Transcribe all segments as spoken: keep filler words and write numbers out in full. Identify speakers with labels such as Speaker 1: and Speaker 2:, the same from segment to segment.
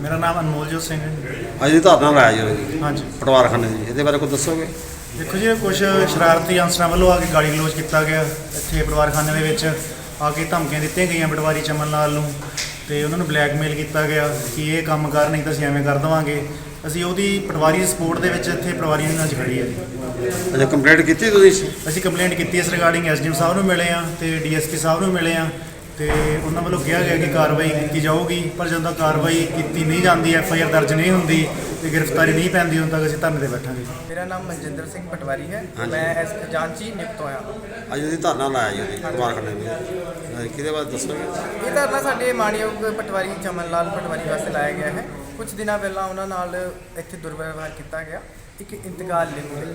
Speaker 1: मेरा नाम अनमोलजोत सिंह है।
Speaker 2: ਅੱਜ ਦੀ ਧਾਰਨਾ ਲਾਇਆ ਜੀ
Speaker 1: हाँ जी
Speaker 2: ਪਟਵਾਰਖਾਨੇ ਦੀ, ਇਹਦੇ ਬਾਰੇ ਕੁਝ ਦੱਸੋਗੇ?
Speaker 1: देखो जी कुछ शरारती अंसरां ਵੱਲੋਂ ਆ ਕੇ ਗਾਲੀ ਗਲੋਚ ਕੀਤਾ ਗਿਆ ਇੱਥੇ ਪਟਵਾਰਖਾਨੇ ਦੇ ਵਿੱਚ ਆ ਕੇ ਧਮਕੀਆਂ ਦਿੱਤੀਆਂ ਗਈਆਂ ਪਟਵਾਰੀ ਚਮਨ ਲਾਲ ਨੂੰ ਤੇ ਉਹਨਾਂ ਨੂੰ ਬਲੈਕਮੇਲ ਕੀਤਾ ਗਿਆ ਕਿ ਇਹ ਕੰਮ ਕਰ ਨਹੀਂ ਤਾਂ ਅਸੀਂ ਐਵੇਂ ਕਰ ਦੇਵਾਂਗੇ। ਅਸੀਂ ਉਹਦੀ ਪਟਵਾਰੀ ਦੀ ਸਪੋਰਟ ਦੇ ਵਿੱਚ ਇੱਥੇ ਪਟਵਾਰੀ ਨਾਲ ਖੜੀ ਹੈ ਜੀ।
Speaker 2: ਅੱਛਾ, ਕੰਪਲੇਂਟ ਕੀਤੀ ਤੁਸੀਂ?
Speaker 1: ਅਸੀਂ ਕੰਪਲੇਂਟ ਕੀਤੀ ਇਸ ਰਿਗਾਰਡਿੰਗ ਐਸਡੀਐਮ ਸਾਹਿਬ ਨੂੰ ਮਿਲੇ ਆ ਤੇ ਡੀਐਸਪੀ ਸਾਹਿਬ ਨੂੰ ਮਿਲੇ ਆ ਤੇ ਉਹਨਾਂ ਵੱਲੋਂ ਕਿਹਾ ਗਿਆ ਕਿ ਕਾਰਵਾਈ ਕੀਤੀ ਜਾਊਗੀ, ਪਰ ਜਦੋਂ ਤੱਕ ਕਾਰਵਾਈ ਕੀਤੀ ਨਹੀਂ ਜਾਂਦੀ, ਐਫ ਆਈ ਆਰ ਦਰਜ ਨਹੀਂ ਹੁੰਦੀ ਤੇ ਗ੍ਰਿਫਤਾਰੀ ਨਹੀਂ ਪੈਂਦੀ, ਉਦੋਂ ਤੱਕ ਅਸੀਂ ਧਰਨੇ ਤੇ ਬੈਠਾਂਗੇ।
Speaker 3: ਮੇਰਾ ਨਾਮ ਮਨਜਿੰਦਰ ਸਿੰਘ ਪਟਵਾਰੀ ਹੈ, ਮੈਂ ਐਸ ਖਜ਼ਾਨਚੀ ਨਿਯੁਕਤ ਹੋਇਆ।
Speaker 2: ਅੱਜ ਦੀ ਧਾਰਨਾ ਲਾਇਆ ਜੀ ਪਟਵਾਰਖਾਨੇ ਵਿੱਚ, ਕਿਹਦੇ ਬਾਰੇ ਦੱਸੋਗੇ?
Speaker 3: ਇਹ ਧਰਨਾ ਸਾਡੇ ਮਾਣਯੋਗ ਪਟਵਾਰੀ ਚਮਨ ਲਾਲ ਪਟਵਾਰੀ ਵਾਸਤੇ ਲਾਇਆ ਗਿਆ ਹੈ। ਕੁਝ ਦਿਨਾਂ ਪਹਿਲਾਂ ਉਹਨਾਂ ਨਾਲ ਇੱਥੇ ਦੁਰਵਿਵਹਾਰ ਕੀਤਾ ਗਿਆ, ਇੱਕ ਇੰਤਕਾਲ ਲਿਖ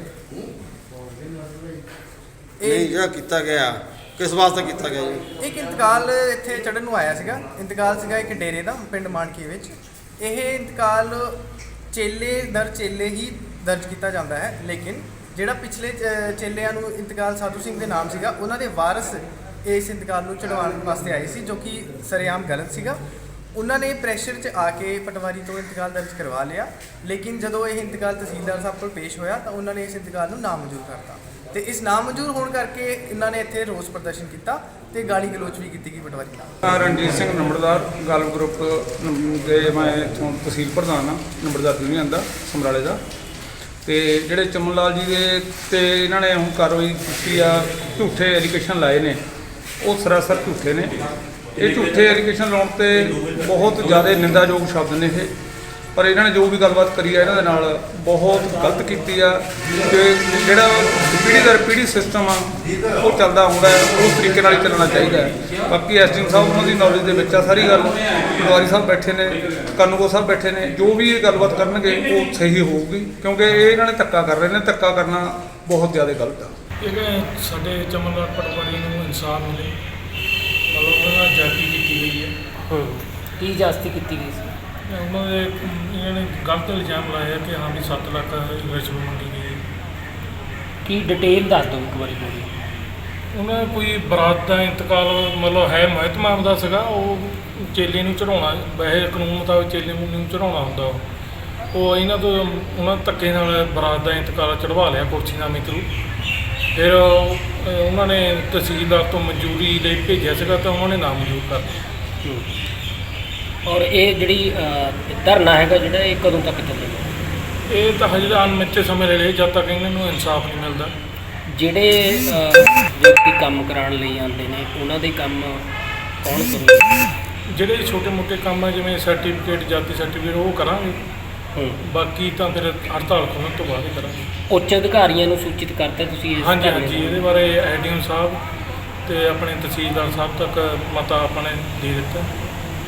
Speaker 2: ਨਹੀਂ ਜਿਹੜਾ ਕੀਤਾ ਗਿਆ ਕਿਸ ਵਾਸਤੇ ਕੀਤਾ ਗਿਆ ਜੀ?
Speaker 3: ਇੱਕ ਇੰਤਕਾਲ ਇੱਥੇ ਚੜ੍ਹਨ ਨੂੰ ਆਇਆ ਸੀਗਾ। ਇੰਤਕਾਲ ਸੀਗਾ ਇੱਕ ਡੇਰੇ ਦਾ ਪਿੰਡ ਮਾਨਕੀ ਵਿੱਚ। ਇਹ ਇੰਤਕਾਲ ਚੇਲੇ ਦਰ ਚੇਲੇ ਹੀ ਦਰਜ ਕੀਤਾ ਜਾਂਦਾ ਹੈ, ਲੇਕਿਨ ਜਿਹੜਾ ਪਿਛਲੇ ਚ- ਚੇਲਿਆਂ ਨੂੰ ਇੰਤਕਾਲ ਸਾਧੂ ਸਿੰਘ ਦੇ ਨਾਮ ਸੀਗਾ, ਉਹਨਾਂ ਦੇ ਵਾਰਸ ਇਸ ਇੰਤਕਾਲ ਨੂੰ ਚੜ੍ਹਾਉਣ ਵਾਸਤੇ ਆਏ ਸੀ, ਜੋ ਕਿ ਸਰੇਆਮ ਗਲਤ ਸੀਗਾ। ਉਹਨਾਂ ਨੇ ਪ੍ਰੈਸ਼ਰ 'ਚ ਆ ਕੇ ਪਟਵਾਰੀ ਤੋਂ ਇੰਤਕਾਲ ਦਰਜ ਕਰਵਾ ਲਿਆ, ਲੇਕਿਨ ਜਦੋਂ ਇਹ ਇੰਤਕਾਲ ਤਹਿਸੀਲਦਾਰ ਸਾਹਿਬ ਕੋਲ ਪੇਸ਼ ਹੋਇਆ ਤਾਂ ਉਹਨਾਂ ਨੇ ਇਸ ਇੰਤਕਾਲ ਨੂੰ ਨਾਮਨਜ਼ੂਰ ਕਰਤਾ ਤੇ ਇਸ ਨਾਮਨਜ਼ੂਰ ਹੋਣ ਕਰਕੇ ਇਹਨਾਂ ਨੇ ਇੱਥੇ ਰੋਸ ਪ੍ਰਦਰਸ਼ਨ ਕੀਤਾ ਤੇ ਗਾਲੀ ਗਲੋਚ ਵੀ ਕੀਤੀ ਗਈ ਪਟਵਾਰੀ ਨਾਲ।
Speaker 4: ਰਣਜੀਤ ਸਿੰਘ ਨੰਬਰਦਾਰ ਗਾਲਵ ਗਰੁੱਪ ਦੇ ਮੈਂ ਇੱਥੋਂ ਤਹਿਸੀਲ ਪ੍ਰਧਾਨ ਹਾਂ ਨੰਬਰਦਾਰ ਯੂਨੀਅਨ ਦਾ ਸਮਰਾਲੇ ਦਾ। ਤੇ ਜਿਹੜੇ ਚਮਨ ਲਾਲ ਜੀ ਦੇ ਤੇ ਇਹਨਾਂ ਨੇ ਹੁਣ ਕਾਰਵਾਈ ਕੀਤੀ ਆ, ਝੂਠੇ ਐਲੀਗੇਸ਼ਨ ਲਾਏ ਨੇ, ਉਹ ਸਰਾਸਰ ਝੂਠੇ ਨੇ। ਇਹ ਝੂਠੇ ਐਲੀਗੇਸ਼ਨ ਲਾਉਣ ਤੇ ਬਹੁਤ ਜ਼ਿਆਦਾ ਨਿੰਦਾਯੋਗ ਸ਼ਬਦ ਨੇ ਇਹ, ਪਰ ਇਹਨਾਂ ਨੇ ਜੋ ਵੀ ਗੱਲਬਾਤ ਕਰੀ ਆ ਇਹਨਾਂ ਦੇ ਨਾਲ ਬਹੁਤ ਗਲਤ ਕੀਤੀ ਆ। ਕਿ ਜਿਹੜਾ ਪੀੜ੍ਹੀ ਦਰ ਪੀੜ੍ਹੀ ਸਿਸਟਮ ਆ ਉਹ ਚੱਲਦਾ ਹੁੰਦਾ ਹੈ, ਉਸ ਤਰੀਕੇ ਨਾਲ ਹੀ ਚੱਲਣਾ ਚਾਹੀਦਾ ਹੈ। ਬਾਕੀ ਐਸਡੀਐਮ ਸਾਹਿਬ ਉਹਨਾਂ ਦੀ ਨੌਲੇਜ ਦੇ ਵਿੱਚ ਆ ਸਾਰੀ ਗੱਲ, ਪਟਵਾਰੀ ਸਾਹਿਬ ਬੈਠੇ ਨੇ, ਕਾਨੂੰਗੋ ਸਾਹਿਬ ਬੈਠੇ ਨੇ, ਜੋ ਵੀ ਇਹ ਗੱਲਬਾਤ ਕਰਨਗੇ ਉਹ ਸਹੀ ਹੋਊਗੀ, ਕਿਉਂਕਿ ਇਹ ਇਹਨਾਂ ਨੇ ਧੱਕਾ ਕਰ ਰਹੇ ਨੇ। ਧੱਕਾ ਕਰਨਾ ਬਹੁਤ ਜ਼ਿਆਦਾ ਗਲਤ ਆ।
Speaker 5: ਇਹ ਸਾਡੇ ਚਮਨ ਲਾਲ ਪਟਵਾਰੀ ਨੂੰ ਇਨਸਾਫ ਮਿਲੇ, ਮਤਲਬ ਉਹਨਾਂ ਨਾਲ ਜਾਤੀ ਕੀਤੀ ਗਈ ਹੈ।
Speaker 6: ਕੀ ਜਾਸਤੀ ਕੀਤੀ ਗਈ ਸੀ?
Speaker 5: ਉਹਨਾਂ ਦੇ ਇਹਨਾਂ ਨੇ ਗਲਤ ਇਲਜ਼ਾਮ ਲਾਇਆ ਕਿ ਹਾਂ ਵੀ ਸੱਤ ਲੱਖ ਰਿਸ਼ਵਤ ਮੰਗੀ ਗਈ ਹੈ।
Speaker 6: ਕੀ ਡਿਟੇਲ ਦੱਸ ਦਿਓ ਇੱਕ ਵਾਰੀ ਪੂਰੀ।
Speaker 5: ਉਹਨਾਂ ਨੇ ਕੋਈ ਬਰਾਤ ਦਾ ਇੰਤਕਾਲ ਮਤਲਬ ਹੈ ਮਹਿਤਮਾਮ ਦਾ ਸੀਗਾ, ਉਹ ਚੇਲੇ ਨੂੰ ਚੜਾਉਣਾ, ਵੈਸੇ ਕਾਨੂੰਨ ਮੁਤਾਬਕ ਚੇਲੇ ਨੂੰ ਚੜਾਉਣਾ ਹੁੰਦਾ। ਉਹ ਉਹ ਇਹਨਾਂ ਤੋਂ ਉਹਨਾਂ ਧੱਕੇ ਨਾਲ ਬਰਾਤ ਦਾ ਇੰਤਕਾਲ ਚੜਵਾ ਲਿਆ ਕੁਰਸੀਨਾਮੇ ਥਰੂ। ਫਿਰ ਉਹਨਾਂ ਨੇ ਤਹਿਸੀਲਦਾਰ ਤੋਂ ਮਨਜ਼ੂਰੀ ਲਈ ਭੇਜਿਆ ਸੀਗਾ ਤਾਂ ਉਹਨਾਂ ਨੇ ਨਾਮਨਜ਼ੂਰ ਕਰ ਦਿੱਤਾ।
Speaker 6: ਔਰ ਇਹ ਜਿਹੜੀ ਧਰਨਾ ਹੈਗਾ ਜਿਹੜਾ ਇਹ ਕਦੋਂ ਤੱਕ ਚੱਲੇਗਾ?
Speaker 5: ਇਹ ਤਾਂ ਹਜੇ ਅਣਮਿੱਥੇ ਸਮੇਂ ਲੈ ਲਏ ਜਦ ਤੱਕ ਇਹਨਾਂ ਨੂੰ ਇਨਸਾਫ ਨਹੀਂ ਮਿਲਦਾ।
Speaker 6: ਜਿਹੜੇ ਵਿਅਕਤੀ ਕੰਮ ਕਰਾਉਣ ਲਈ ਆਉਂਦੇ ਨੇ ਉਹਨਾਂ ਦੇ ਕੰਮ ਕੌਣ ਕਰੂਗਾ?
Speaker 5: ਜਿਹੜੇ ਛੋਟੇ ਮੋਟੇ ਕੰਮ ਆ ਜਿਵੇਂ ਸਰਟੀਫਿਕੇਟ ਜਾਤੀ ਸਰਟੀਫਿਕੇਟ ਉਹ ਕਰਾਂਗੇ, ਬਾਕੀ ਤਾਂ ਫਿਰ ਹੜਤਾਲ ਖੋਲ੍ਹਣ ਤੋਂ ਬਾਅਦ ਹੀ ਕਰਾਂਗੇ।
Speaker 6: ਉੱਚ ਅਧਿਕਾਰੀਆਂ ਨੂੰ ਸੂਚਿਤ ਕਰਤਾ ਤੁਸੀਂ ਇਸ
Speaker 5: ਹਾਂਜੀ
Speaker 6: ਧਰਨੇ
Speaker 5: ਹਾਂਜੀ
Speaker 6: ਨੂੰ?
Speaker 5: ਇਹਦੇ ਬਾਰੇ ਐਡੀਐਮ ਸਾਹਿਬ ਤੇ ਆਪਣੇ ਤਹਿਸੀਲਦਾਰ ਸਾਹਿਬ ਤੱਕ ਮਤਾ ਆਪਾਂ ਨੇ ਦੇ ਦਿੱਤਾ।